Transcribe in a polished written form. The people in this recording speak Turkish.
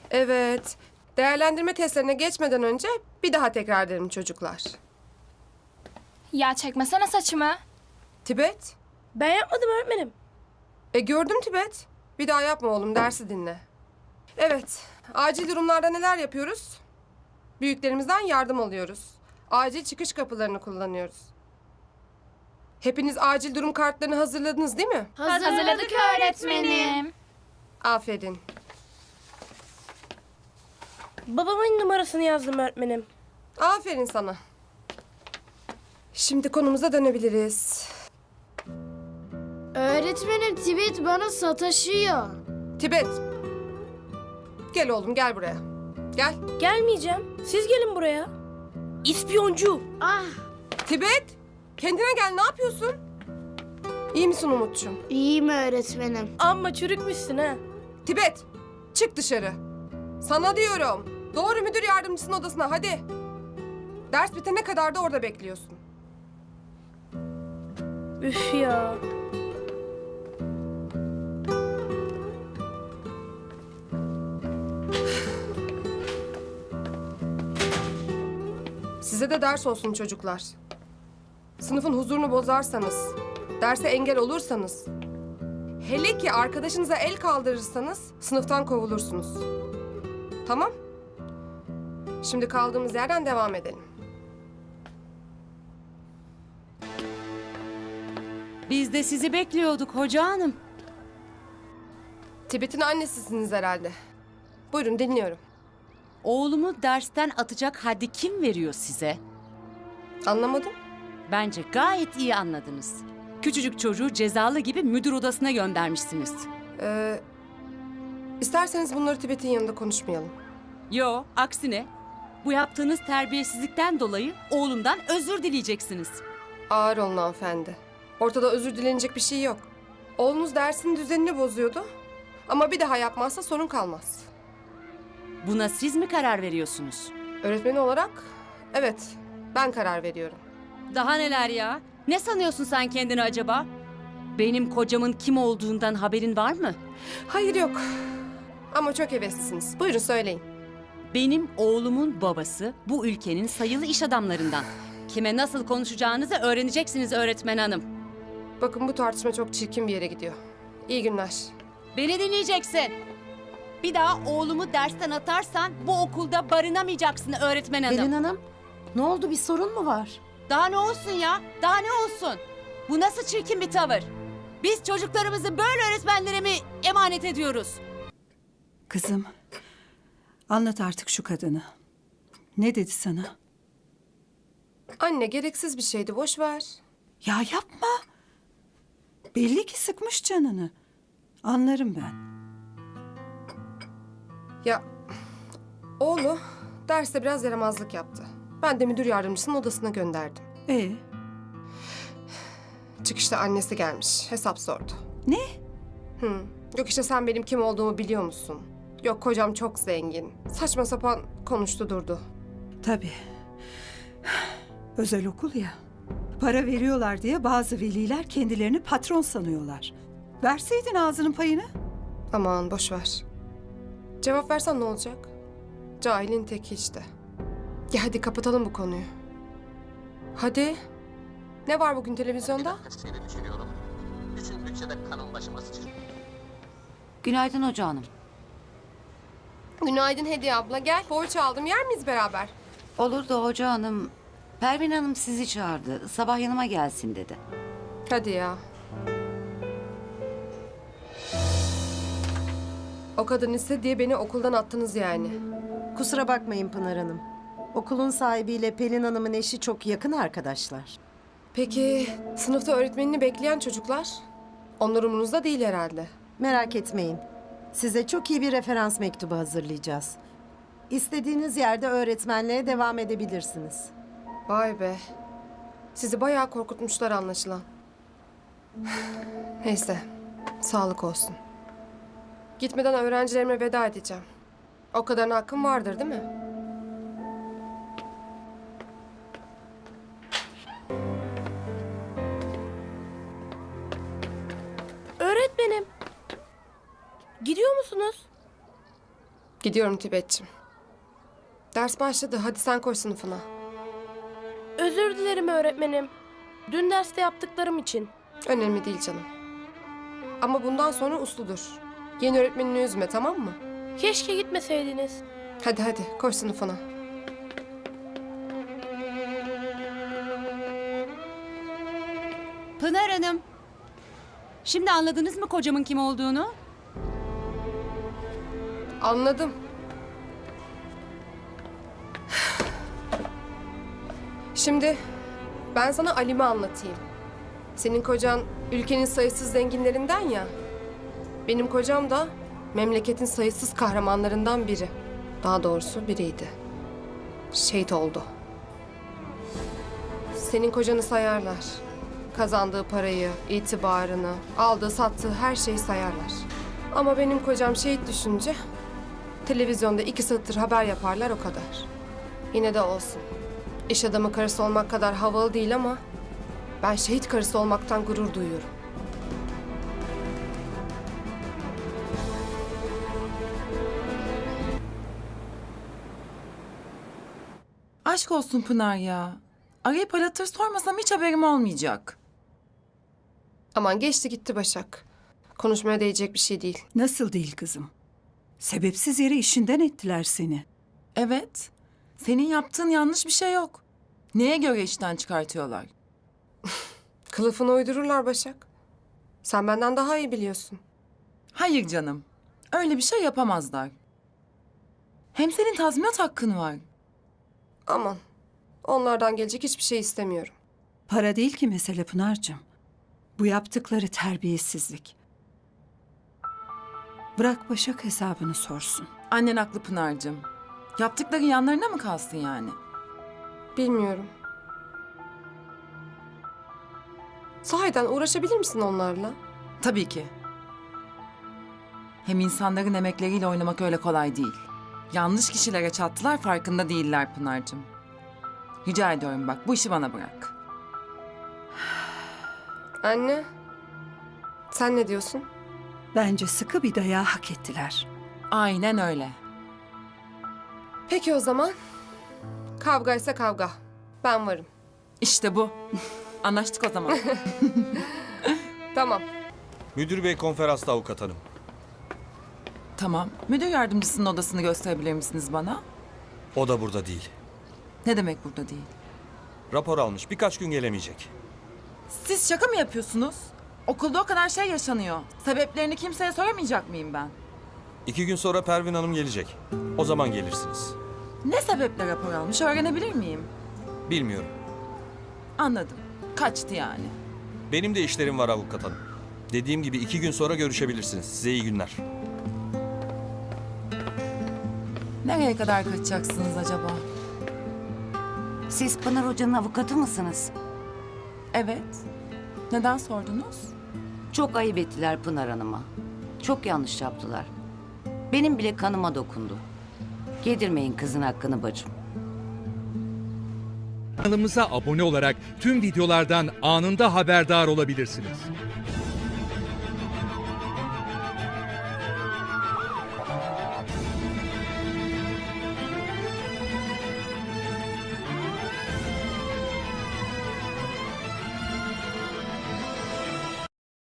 Evet. Değerlendirme testlerine geçmeden önce bir daha tekrar edelim çocuklar. Ya çekmesene saçımı. Tibet. Ben yapmadım öğretmenim. Gördüm Tibet. Bir daha yapma oğlum, dersi dinle. Evet. Acil durumlarda neler yapıyoruz? Büyüklerimizden yardım alıyoruz. Acil çıkış kapılarını kullanıyoruz. Hepiniz acil durum kartlarını hazırladınız değil mi? Hazırladık öğretmenim. Aferin. Babamın numarasını yazdım öğretmenim. Aferin sana. Şimdi konumuza dönebiliriz. Öğretmenim Tibet bana sataşıyor. Tibet. Gel oğlum, gel buraya. Gel. Gelmeyeceğim. Siz gelin buraya. İspiyoncu. Ah Tibet. Kendine gel, ne yapıyorsun? İyi misin Umut'cum? iyiyim öğretmenim. Amma çürükmüşsün ha. Tibet. Çık dışarı. Sana diyorum. Doğru müdür yardımcısının odasına hadi. Ders bitene kadar da orada bekliyorsun. Üf ya. Size de ders olsun çocuklar. Sınıfın huzurunu bozarsanız, derse engel olursanız, hele ki arkadaşınıza el kaldırırsanız sınıftan kovulursunuz. Tamam? Şimdi kaldığımız yerden devam edelim. Biz de sizi bekliyorduk hoca hanım. Tibet'in annesisiniz herhalde. Buyurun, dinliyorum. Oğlumu dersten atacak haddi kim veriyor size? Anlamadım. Bence gayet iyi anladınız. Küçücük çocuğu cezalı gibi müdür odasına göndermişsiniz. İsterseniz bunları Tibet'in yanında konuşmayalım. Yo, aksine bu yaptığınız terbiyesizlikten dolayı oğlumdan özür dileyeceksiniz. Ağır olun hanımefendi. Ortada özür dilenecek bir şey yok. Oğlunuz dersin düzenini bozuyordu. Ama bir daha yapmazsa sorun kalmaz. Buna siz mi karar veriyorsunuz? Öğretmeni olarak evet, ben karar veriyorum. Daha neler ya? Ne sanıyorsun sen kendini acaba? Benim kocamın kim olduğundan haberin var mı? Hayır, yok. Ama çok heveslisiniz. Buyurun söyleyin. Benim oğlumun babası bu ülkenin sayılı iş adamlarından. Kime nasıl konuşacağınızı öğreneceksiniz öğretmen hanım. Bakın, bu tartışma çok çirkin bir yere gidiyor. İyi günler. Beni dinleyeceksin. Bir daha oğlumu dersten atarsan bu okulda barınamayacaksın öğretmen hanım. Pelin Hanım, ne oldu, bir sorun mu var? Daha ne olsun ya? Daha ne olsun? Bu nasıl çirkin bir tavır? Biz çocuklarımızı böyle öğretmenlere mi emanet ediyoruz? Kızım, anlat artık şu kadını. Ne dedi sana? Anne, gereksiz bir şeydi, boş ver. Ya yapma. Belli ki sıkmış canını. Anlarım ben. Ya, oğlu derste biraz yaramazlık yaptı. Ben de müdür yardımcısının odasına gönderdim. Ee, Çıkışta annesi gelmiş, hesap sordu. ne? Yok işte, sen benim kim olduğumu biliyor musun? Yok, kocam çok zengin. Saçma sapan konuştu durdu. Tabii. Özel okul ya. Para veriyorlar diye bazı veliler kendilerini patron sanıyorlar. Verseydin ağzının payını. Aman boş ver. Cevap versen ne olacak? Cahilin teki işte. Ya hadi kapatalım bu konuyu. Hadi. Ne var bugün televizyonda? Seni düşünüyorum. Bütün bütçede kanın başıma sıçrıyor. Günaydın hoca hanım. Günaydın Hediye abla, gel. Poğaça aldım, yer miyiz beraber? Olur da hoca hanım, Pervin Hanım sizi çağırdı. Sabah yanıma gelsin dedi. Hadi ya. O kadın istedi diye beni okuldan attınız yani. Kusura bakmayın Pınar Hanım. Okulun sahibiyle Pelin Hanım'ın eşi çok yakın arkadaşlar. Peki sınıfta öğretmenini bekleyen çocuklar? Onlar umurunuzda değil herhalde. Merak etmeyin. Size çok iyi bir referans mektubu hazırlayacağız. İstediğiniz yerde öğretmenliğe devam edebilirsiniz. Vay be. Sizi bayağı korkutmuşlar anlaşılan. Neyse, sağlık olsun. Gitmeden öğrencilerime veda edeceğim. O kadarına hakkım vardır değil mi? Öğretmenim. Gidiyor musunuz? Gidiyorum Tibet'ciğim. Ders başladı. Hadi sen koş sınıfına. Özür dilerim öğretmenim. Dün derste yaptıklarım için. Önemli değil canım. Ama bundan sonra usludur. Yeni öğretmenini üzme, tamam mı? Keşke gitmeseydiniz. Hadi hadi koş sınıfına. Pınar Hanım. Şimdi anladınız mı kocamın kim olduğunu? Anladım. Şimdi ben sana Alim'i anlatayım. Senin kocan ülkenin sayısız zenginlerinden ya. Benim kocam da memleketin sayısız kahramanlarından biri. Daha doğrusu biriydi. Şehit oldu. Senin kocanı sayarlar. Kazandığı parayı, itibarını, aldığı sattığı her şeyi sayarlar. Ama benim kocam şehit düşünce televizyonda 2 satır haber yaparlar, o kadar. Yine de olsun. İş adamı karısı olmak kadar havalı değil ama ben şehit karısı olmaktan gurur duyuyorum. Aşk olsun Pınar ya. Arayıp aratır sormasam hiç haberim olmayacak. Aman geçti gitti Başak. Konuşmaya değecek bir şey değil. Nasıl değil kızım? Sebepsiz yere işinden ettiler seni. Evet. Senin yaptığın yanlış bir şey yok. Neye göre işten çıkartıyorlar? Kılıfını uydururlar Başak. Sen benden daha iyi biliyorsun. Hayır canım. Öyle bir şey yapamazlar. Hem senin tazminat hakkın var. Aman onlardan gelecek hiçbir şey istemiyorum. Para değil ki mesele Pınar'cığım. Bu yaptıkları terbiyesizlik. Bırak Başak hesabını sorsun. Annen haklı Pınar'cığım. Yaptıkları yanlarına mı kalsın yani? Bilmiyorum. Sahiden uğraşabilir misin onlarla? Tabii ki. Hem insanların emekleriyle oynamak öyle kolay değil. Yanlış kişilere çattılar, farkında değiller Pınar'cığım. Rica ediyorum bak, bu işi bana bırak. Anne, sen ne diyorsun? Bence sıkı bir dayağı hak ettiler. Aynen öyle. Peki o zaman. Kavgaysa kavga. Ben varım. İşte bu. Anlaştık o zaman. Tamam. Müdür bey konferansta avukat hanım. Tamam. Müdür yardımcısının odasını gösterebilir misiniz bana? O da burada değil. Ne demek burada değil? Rapor almış, birkaç gün gelemeyecek. Siz şaka mı yapıyorsunuz? Okulda o kadar şey yaşanıyor. Sebeplerini kimseye soramayacak mıyım ben? 2 gün sonra Pervin Hanım gelecek. O zaman gelirsiniz. Ne sebeple rapor almış öğrenebilir miyim? Bilmiyorum. Anladım. Kaçtı yani. Benim de işlerim var avukat hanım. Dediğim gibi 2 gün sonra görüşebilirsiniz. Size iyi günler. Nereye kadar kaçacaksınız acaba? Siz Pınar Hoca'nın avukatı mısınız? Evet. Neden sordunuz? Çok ayıp ettiler Pınar Hanım'a. Çok yanlış yaptılar. Benim bile kanıma dokundu. Yedirmeyin kızın hakkını bacım. Kanalımıza abone olarak tüm videolardan anında haberdar olabilirsiniz.